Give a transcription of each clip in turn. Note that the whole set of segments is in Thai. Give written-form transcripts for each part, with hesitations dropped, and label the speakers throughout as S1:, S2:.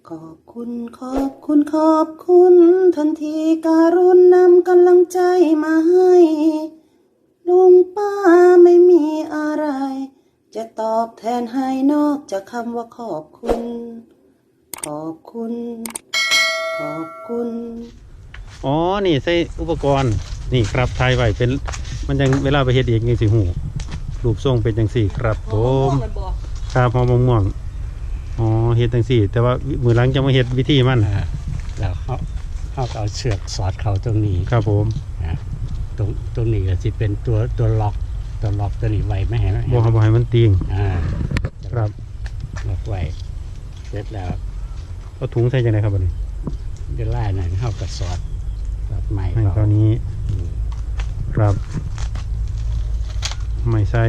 S1: ขอบคุณขอบคุณขอบคุณทันทีการุณนำกำลังใจมาให้ลุงป้าไม่มีอะไรจะตอบแทนให้นอกจากคำว่าขอบคุณขอบคุณขอบคุณ
S2: อ๋อนี่ใส่อุปกรณ์นี่ครับถ่ายไว้เป็นมันยังเวลาไปเฮ็ดเองนี่สิหูรูปทรงเป็นจังสี่ครับผมครับหอมม่วงอ๋อเฮ็ดจังสี่แต่ว่ามือหลังจะมาเฮ็ดวิธีมัน
S3: แล้วเขาเอาเชือกสอดเขาตรงนี้
S2: ครับผม
S3: ตรงนี้ก็จะเป็นตัวล็อกตัวนี้ไว้ไม่ให้
S2: บ่ให้มันตีงครับ
S3: ล็อกไว้เสร็จแล้ว
S2: เอาถุงใส่จังไดครับบัดนี้
S3: เดี๋ยวไล่หน่อยเข้ากับสอดไม้
S2: ให้ตอนนี้ครับไม่ใส่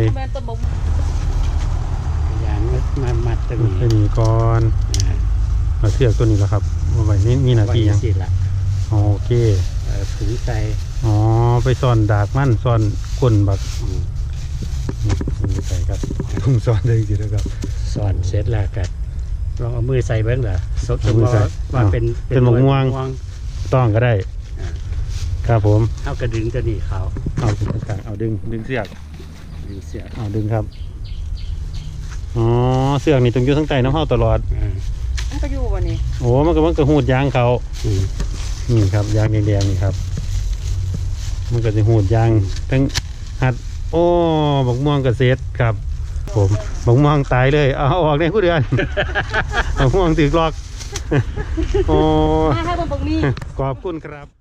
S3: ยางมัดตรง
S2: นี้ก่อนเอาเชือกตัวนี้แหละครับเอาไว้นี่มีหน้าที่ยังโอเค
S3: ถุงใส่
S2: อ๋อไปซ่อนดากมันซ่อนก้นบักนี่ใส่ครับถุงซ่อนได้จริงๆครับ
S3: ซ่อนเสร็จแล้วกันลองเอามือใส่เบ้างเหรอสมมติว่าเป็น
S2: หมกม่วงต้องก็ได้ครับผม
S3: เอากระดึงตัวนี้เขา
S2: เอาตรงกลางเอาดึงเสือกเอาดึงครับอ๋อเสือกนี่ต้องอยู่ทั้งใต้น้ำเข้าตลอด
S1: มันก็อยู่วันนี้
S2: โอ้มันก็หูดยางเขานี่ครับยางแดงๆนี่ครับมันก็จะหูดยางทั้งหัดโอ้บักม่วงกระเซ็ดครับผมบักม่วงตายเลยเอาออกในผู้เดือนบักม่วงถือกลอกโอ้ขอบคุณครับ